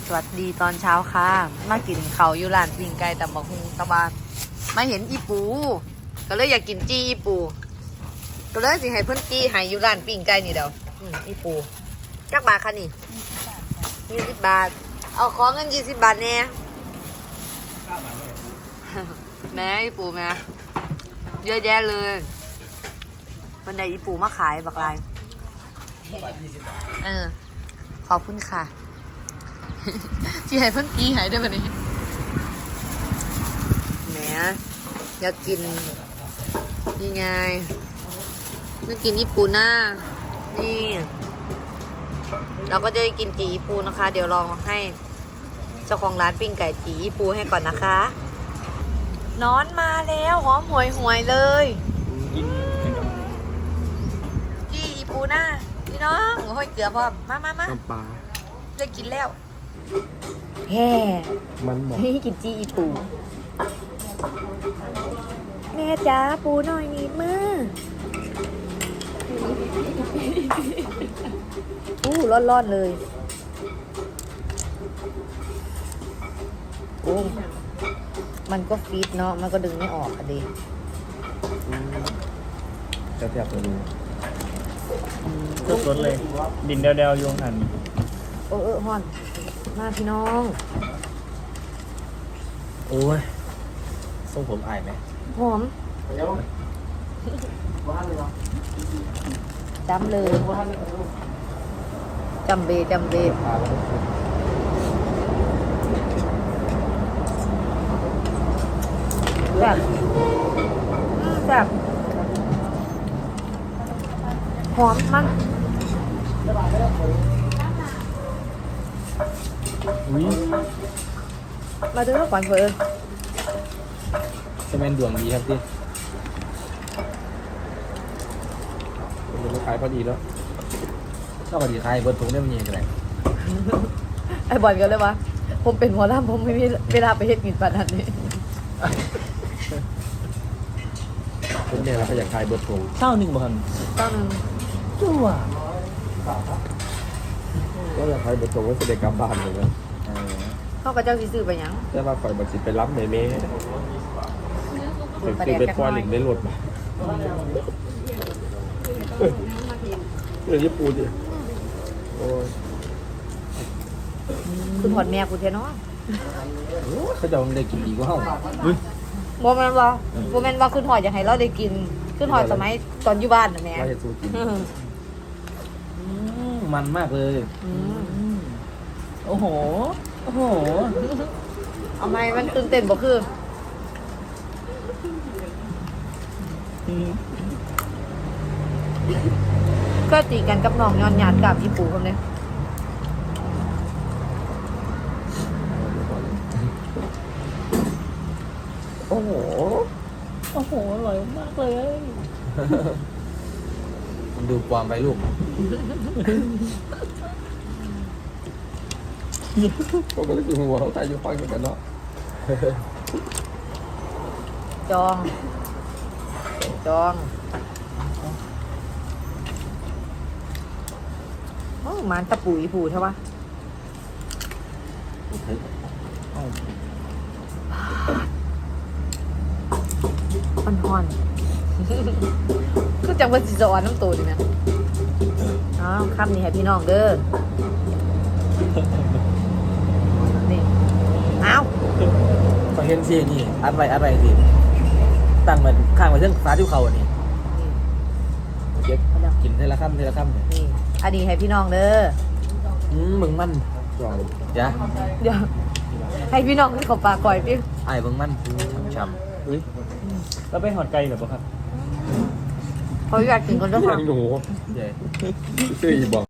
สวัสดีตอนเช้าค่ะมากินเขาวอยู่ร้านปิ้งไก่แต่บอกฮุงตะบานมาเห็นอีปูก็เลยอยากกินจี้อีปูก็เลยสิให้เพิ่นจี้ให้อยู่ร้านปิ้งไก่นี่เดียวอีปูจักบาทค่ะนี่20 บาทเอาของเงิน20 บาทแน่ แม่อีปูแม่เยอะแยะเลยวันใดอีปูมาขายบักลายขอบคุณค่ะ ที่ให้เพิ่นกี้หายได้ป่ะนี่แหมอยากกินนี่ไงนึกกินญี่ปุ่นนะนี่เราก็จะได้กินจีญี่ปุ่นนะคะ เดี๋ยวลองให้เจ้าของร้านปิ้งไก่จีญี่ปุ่นให้ก่อนนะคะนอนมาแล้วหอมหวยเลยจีญี่ปุ่นนะพี่น้องห้อยเกลือพร้อมมาน้ำปลาได้กินแล้วแฮ่มันบอกให้กินจีอีปูแม่จ๋าปูหน่อยนิดมือร้อนเลยโอ้มันก็ฟีดเนาะมันก็ดึงไม่ออกอะดิจะแทบจะรู้สดๆเลย ดินเดวๆโยงหันฮอนมาพี่น้องโอ้ยส่งผมอายไหมหอมจำเลยจำเบแบบหอมมันมาดูแล้วก่อนเพื่อนจะเป็นดวงดีครับพี่เป็นลูกค้าพอดีแล้วชอบพอดีใครเบิร์ดถุงได้มันยังไงไอ้บอลกันเลยวะผมเป็นหัวล่ามผมไม่มีเวลาไปเฮ็ดกินปันนั้นนี่คุณเนี่ยเราก็อยากขายเบิร์ดถุง 1บ่ครับต้องจั่วก็อยากขายเบิร์ดถุงไว้เสด็จกลับบ้านเลยนะเข้ากับเจ้าสิซื้อไปยังแต่ว่าฝ่ายบัตรสิไปรับในเมย์ถึงเป็นควายหลิงได้หลดมาเรื่องญี่ปุ่นดิโอ้ยคุณหอดแม่คุณเทนอเขาจะได้กินดีกว่าเขาโมเมนต์ว่าคุณหอดอยากให้เราได้กินคุณหอดสมัยตอนอยู่บ้านนะแม่ว่าจะสู้กินมันมากเลยโอ้โหเอาไหมมันตื่นเต้นบ่คือก็ตีกันกับน้องย้อนหยาดกับพี่ปู่คนนี้โอ้โหอร่อยมากเลยดูความไปลูกผมก็เลยกินหัวเขาตายอยู่ฟังกันเนาะจองโอ้มันตะปุ๋ยผูใช่ปะอ่อนคือจังว่าสิจะอ่อนน้ำตัวดีนะคำนี้ให้พี่น้องเด้อนี่พอเห็นสินี่อัดไว้สิตั้งมันข้างไว้เรื่องฟ้าที่เขาอันนี้เก็บกินทีละคำนี่อันนี้ให้พี่น้องเด้อมึงมันเดี๋ยวให้พี่น้องที่เขาปากก่อยพี่ไอ้มึงมันช้ำแล้วไปหอดไก่หรือเปล่าครับเขาอยากกินคนละคำหนูซื้อบอก